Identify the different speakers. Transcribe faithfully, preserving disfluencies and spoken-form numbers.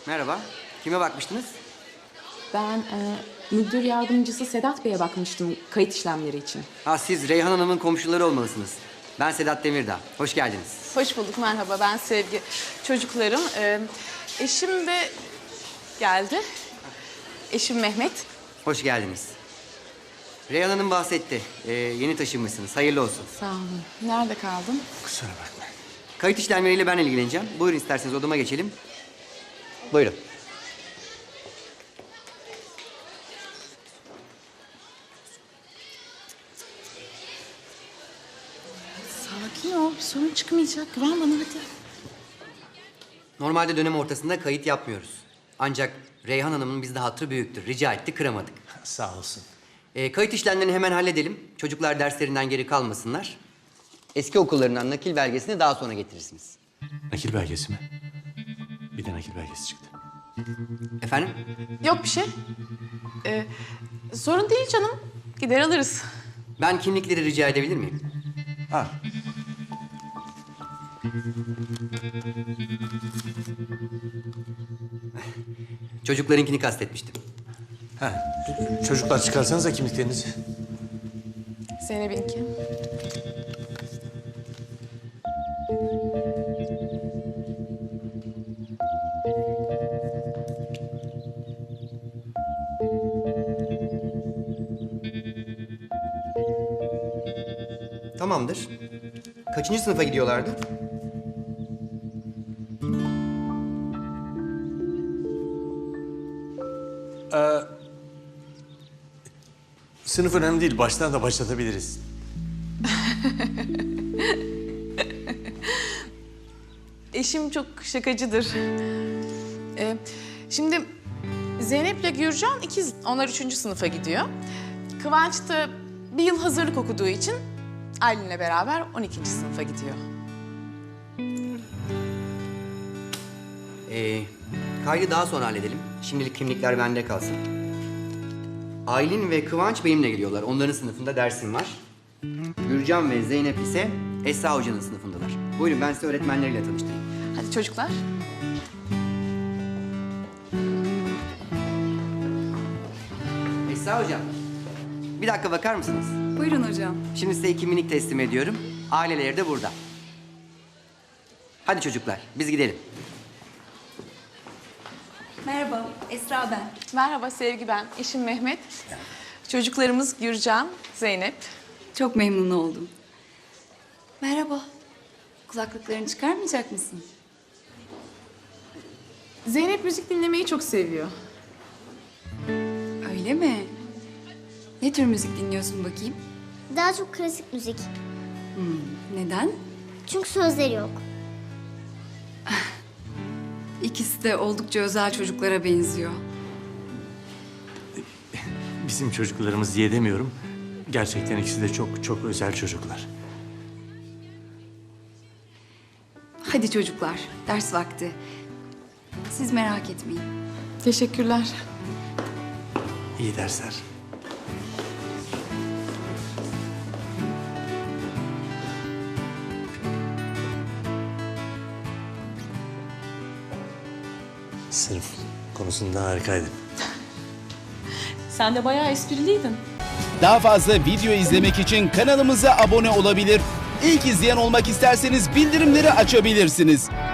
Speaker 1: Merhaba. Kime bakmıştınız?
Speaker 2: Ben e, müdür yardımcısı Sedat Bey'e bakmıştım kayıt işlemleri için.
Speaker 1: Ha, siz Reyhan Hanım'ın komşuları olmalısınız. Ben Sedat Demirdağ. Hoş geldiniz.
Speaker 3: Hoş bulduk, merhaba. Ben Sevgi. Çocuklarım. Ee, eşim de geldi. Eşim Mehmet.
Speaker 1: Hoş geldiniz. Reyhan Hanım bahsetti. Ee, yeni taşınmışsınız. Hayırlı olsun.
Speaker 2: Sağ olun. Nerede kaldın?
Speaker 4: Kusura bakma.
Speaker 1: Kayıt işlemleriyle ben ilgileneceğim. Buyurun isterseniz odama geçelim. Buyurun.
Speaker 2: Sakin ol. Bir sorun çıkmayacak. Güven bana hadi.
Speaker 1: Normalde dönem ortasında kayıt yapmıyoruz. Ancak Reyhan Hanım'ın bizde hatırı büyüktür. Rica etti, kıramadık.
Speaker 4: Sağ olsun.
Speaker 1: Ee, kayıt işlemlerini hemen halledelim. Çocuklar derslerinden geri kalmasınlar. Eski okullarından nakil belgesini daha sonra getirirsiniz.
Speaker 4: Nakil belgesi mi? Bir de nakil belgesi çıktı.
Speaker 1: Efendim?
Speaker 3: Yok bir şey. Ee, sorun değil canım. Gider alırız.
Speaker 1: Ben kimlikleri rica edebilir miyim?
Speaker 4: Ha.
Speaker 1: Çocuklarınkini kastetmiştim.
Speaker 4: Ha. Çocuklar çıkarsanıza kimliklerinizi.
Speaker 3: Zeynep'inki.
Speaker 1: Tamamdır. Kaçıncı sınıfa gidiyorlardı?
Speaker 4: Sınıf önemli değil. Baştan da başlatabiliriz.
Speaker 3: Eşim çok şakacıdır. Ee, şimdi Zeynep'le Gürcan ikiz. Onlar üçüncü sınıfa gidiyor. Kıvanç da bir yıl hazırlık okuduğu için Aylin'le beraber on ikinci sınıfa gidiyor.
Speaker 1: Ee, kaydı daha sonra halledelim. Şimdilik kimlikler bende kalsın. Aylin ve Kıvanç benimle geliyorlar. Onların sınıfında dersim var. Gürcan ve Zeynep ise Esra Hoca'nın sınıfındalar. Buyurun ben size öğretmenleriyle tanıştırayım.
Speaker 3: Hadi çocuklar.
Speaker 1: Esra Hocam, bir dakika bakar mısınız?
Speaker 5: Buyurun hocam.
Speaker 1: Şimdi size iki minik teslim ediyorum. Aileleri de burada. Hadi çocuklar, biz gidelim.
Speaker 5: Merhaba, Esra ben.
Speaker 3: Merhaba Sevgi, ben. Eşim Mehmet. Çocuklarımız Gürcan, Zeynep.
Speaker 5: Çok memnun oldum. Merhaba. Kulaklıklarını çıkarmayacak mısın?
Speaker 3: Zeynep müzik dinlemeyi çok seviyor.
Speaker 5: Öyle mi? Ne tür müzik dinliyorsun bakayım?
Speaker 6: Daha çok klasik müzik.
Speaker 5: Neden?
Speaker 6: Çünkü sözleri yok.
Speaker 5: İkisi de oldukça özel çocuklara benziyor.
Speaker 4: Bizim çocuklarımız diye demiyorum. Gerçekten ikisi de çok çok özel çocuklar.
Speaker 5: Hadi çocuklar, ders vakti. Siz merak etmeyin.
Speaker 3: Teşekkürler.
Speaker 4: İyi dersler. Sınıf konusunda harikaydın.
Speaker 2: Sen de bayağı espriliydin.
Speaker 7: Daha fazla video izlemek için kanalımıza abone olabilir. İlk izleyen olmak isterseniz bildirimleri açabilirsiniz.